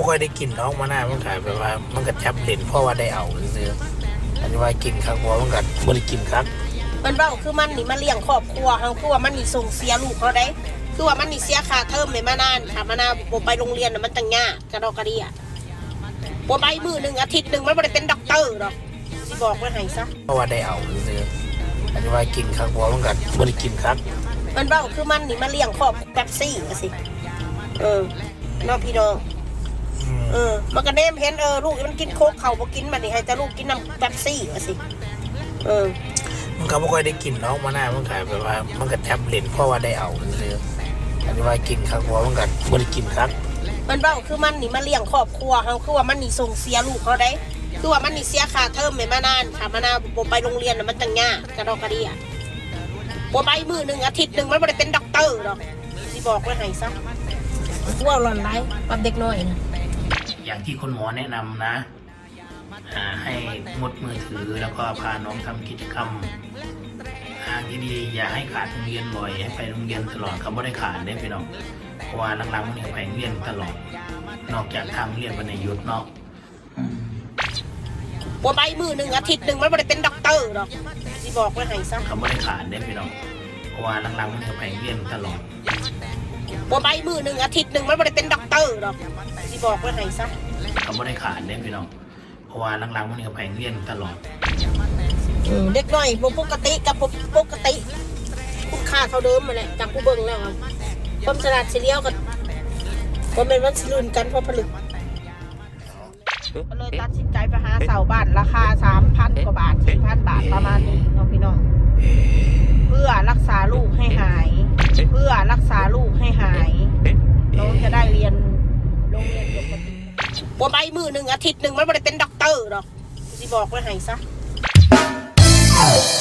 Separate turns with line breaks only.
ค่อยได้กินน้องมาหน้ามันขายแบบว่ามันก็จับเล่นเพราะว่าได้เอาซื้ออันนี้ว่ากินครับว่ามันก็บ่ได้กินครับ
มันเบ้าคือมันนี่มาเลี้ยงครอบครัวเขาคือว่ามันนี่ส่งเสียลูกเขาได้คือว่ามันนี่เสียค่าเทอมเลยมานานค่ะมานาบ่ไปโรงเรียนน่ะมันตั้งยากกระดอกกระเดียบ่ไปมื้อนึงอาทิตย์นึงมันบ่ได้เป็นด็อกเตอร์ดอกสิบอกไว้ให้ซะ
เพราะว่าได้เอาซื้ออันนี้ว่ากินครับว่ามันก็บ่ได้กินครับ
มันเบ้าคือมันนี่มาเลี้ยงครอบแป๊บซี่ว่าสิน้องพี่น้องมันก็เนมเห็นลูกมันกินโค้กเขาบ่กินมันนี่ให้แต่ลูกกินน้ำแป๊บซี่ว่าสิ
มันก็บ่ค่อยได้กินน้องมาหน้ามันขายแบบว่ามันก็จับเล่นเพราะว่าได้เอาซื้ออันนี้ว่ากินครับว่ามันก็บ่ได้กินครับ
มันเบ้าคือมันนี่มาเลี้ยงครอบครัวเขาคือว่ามันนี่ส่งเสียลูกเขาได้คือว่ามันนี่เสียค่าเทอมเลยมานานค่ะมานาบ่ไปโรงเรียนน่ะมันตั้งยากกระดอกกระเดียบ่ไปมื้อนึงอาทิตย์นึงมันบ่ได้เป็นด็อกเตอร์ดอกสิบอกไว้ให้ซะว่าหล่อนไรกับเด็กน้อยนะ
อย่างที่คุณหมอแนะนำนะให้งดมือถือแล้วก็พาน้องทำกิจกรรมดีๆอย่าให้ขาดโรงเรียนบ่อยให้ไปโรงเรียนตลอดเขาไม่ได้ขาดได้ไปน้องเพราะว่าหลังๆมันไปโรงเรียนตลอดนอกจากทางเรียนวันในยุทธเนาะ
บ่ไปมื้อนึงอาทิตย์นึงมันบ่ได้เป็นด็อกเตอร์ดอกสิบอกไว้ให้ซะ
เขาไม่ได้ขาดได้ไปน้องเพราะว่าหลังๆมันไปโรงเรียนตลอด
บ่ไปมื้อนึงอาทิตย์นึงมันบ่ได้เป็นด็อกเตอร์ดอกสิบอกไว้ให้ซะ
เขาไม่ได้ขาดได้ไปน้องเพราะว่าหลังๆมันไปโรงเรียนตลอด
เด็กน้อยบ่ปกติกับบ่ปกติคุณค่าเท่าเดิมมาแหละจากผู้เบิ่งแล้วความฉลาดเฉลียวกันบ่แม่นว่าสิลุ้นกันเพราะผลึกก็เลยตัดสินใจไปหาเสาบ้านราคา 3,000 กว่าบาท 4,000 บาทประมาณนี้เนาะพี่น้องเพื่อรักษาลูกให้หายเพื่อรักษาลูกให้หายน้องจะได้เรียนโรงเรียนปกติบ่ไปมื้อนึงอาทิตย์นึงมันบ่ได้เป็นด็อกเตอร์ดอกสิบอกไว้ให้ซะ